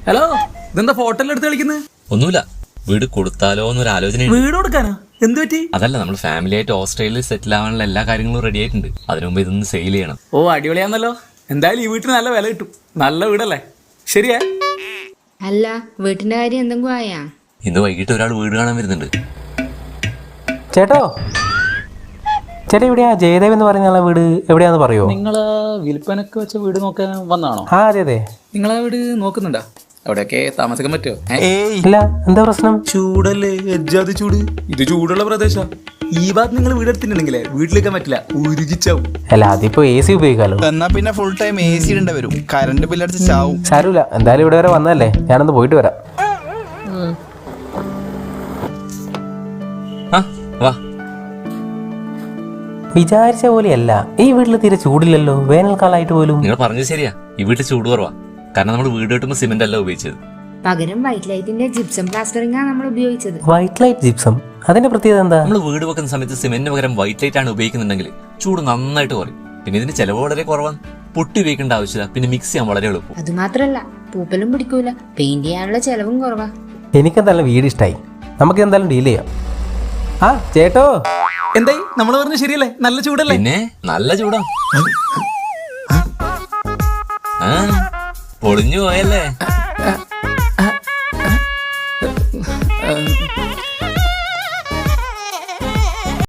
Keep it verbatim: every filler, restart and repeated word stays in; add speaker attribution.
Speaker 1: Hello, ഇതെന്താ photo എടുത്ത് കളിക്കുന്നത്?
Speaker 2: ഒന്നുമില്ല, വീട് കൊടുത്താലോ എന്നൊരു ആലോചന.
Speaker 1: വീട് കൊടുക്കാനോ? എന്ത് പറ്റി?
Speaker 2: അതല്ല, നമ്മൾ ഫാമിലി ആയിട്ട് ഓസ്ട്രേലിയയിൽ സെറ്റിൽ ആവാനുള്ള എല്ലാ കാര്യങ്ങളും റെഡി ആയിട്ടുണ്ട്. അതിനു മുമ്പ് ഇതൊന്ന് സെയിൽ ചെയ്യണം.
Speaker 1: ഓ, അടിപൊളിയാന്നല്ലോ. എന്തായാലും ഈ വീട്ടിന് നല്ല വില കിട്ടും. നല്ല വീടല്ലേ? ശരിയാ?
Speaker 3: അല്ല, വീട്ടിന്റെ കാര്യം എന്തെങ്കിലും ആയാ?
Speaker 2: ഇന്ന് വൈകിട്ട് ഒരാൾ വീട് കാണാൻ വരുന്നുണ്ട്.
Speaker 4: ചേട്ടോ, ചേട്ടാ എവിടെയാ ജയദേവ് എന്ന് പറയുന്ന ആളെ വീട് എവിടെയാന്ന് പറയോ?
Speaker 1: നിങ്ങള് വിൽപ്പനക്ക് വെച്ച വീട് നോക്കാൻ വന്നാണോ?
Speaker 4: ആ അതെ അതെ.
Speaker 1: നിങ്ങളാ വീട് നോക്കുന്നുണ്ടാ? അവിടെയൊക്കെ താമസിക്കാൻ പറ്റുമോ?
Speaker 4: ഇല്ല, എന്താ പ്രശ്നം?
Speaker 1: ചൂടല്ലേ, എജ്ജാതി ചൂട്. ഇത് ചൂടുള്ള പ്രദേശം. ഈ ഭാഗത്ത് നിങ്ങൾ വീടെടുത്തിട്ടുണ്ടെങ്കിലേ വീട്ടിലേക്കാൻ പറ്റില്ല, ഉരുകിച്ചാവും.
Speaker 4: അല്ല, അതിപ്പോ എ സി ഉപയോഗിക്കാലോ.
Speaker 5: എന്നാ പിന്നെ ഫുൾ ടൈം എ സി ഇടേണ്ടി വരും, കറണ്ട് ബില്ലടിച്ച് ചാവും.
Speaker 4: സാരമില്ല, എന്തായാലും ഇവിടെ വരെ വന്നല്ലേ, ഞാനൊന്ന് പോയിട്ട് വരാം.
Speaker 2: ആ വാ.
Speaker 4: വിചാരിച്ച പോലെയല്ല, ഈ വീട്ടിൽ തീരെ ചൂടില്ലല്ലോ, വേനൽക്കാലമായിട്ട് പോലും.
Speaker 2: നിങ്ങൾ പറഞ്ഞത് ശരിയാ, ഈ വീട്ടിൽ ചൂട് കുറവാ. കാരണം നമ്മൾ വീട് കെട്ടുമ്പോൾ സിമെന്റ് അല്ല ഉപയോഗിച്ചത്.
Speaker 3: പകരം വൈറ്റ് ലൈറ്റിന്റെ ജിപ്സം പ്ലാസ്റ്ററിംഗ് ആണ് നമ്മൾ ഉപയോഗിച്ചത്.
Speaker 4: വൈറ്റ് ലൈറ്റ് ജിപ്സം, അതിന്റെ പ്രത്യേകത എന്താ?
Speaker 2: നമ്മൾ വീട് വെക്കുന്ന സമയത്ത് സിമെന്റിന് പകരം വൈറ്റ് ലൈറ്റ് ആണ് ഉപയോഗിക്കുന്നുണ്ടെങ്കിൽ ചൂട് നന്നായിട്ട് കുറയും. പിന്നെ ഇതിന് ചെലവ് വളരെ കുറവാണ്. പൊട്ടി ഉപയോഗിക്കേണ്ട ആവശ്യമില്ല. പിന്നെ മിക്സ് ചെയ്യാൻ വളരെ എളുപ്പം.
Speaker 3: അത് മാത്രല്ല, പൂപ്പലും പിടിക്കൂല, പെയിന്റ് ചെയ്യാനുള്ള ചെലവും കുറവാ.
Speaker 4: എനിക്കെന്തായാലും വീട് ഇഷ്ടായി. നമുക്ക് എന്തായാലും ഡീൽ ചെയ്യാം. ആ ചേട്ടോ,
Speaker 1: എന്തായി? നമ്മൾ പറഞ്ഞ ശരിയല്ലേ? നല്ല ചൂടല്ലേ?
Speaker 2: പിന്നെ നല്ല ചൂടാ. ആ പൊളിഞ്ഞു പോയല്ലേ?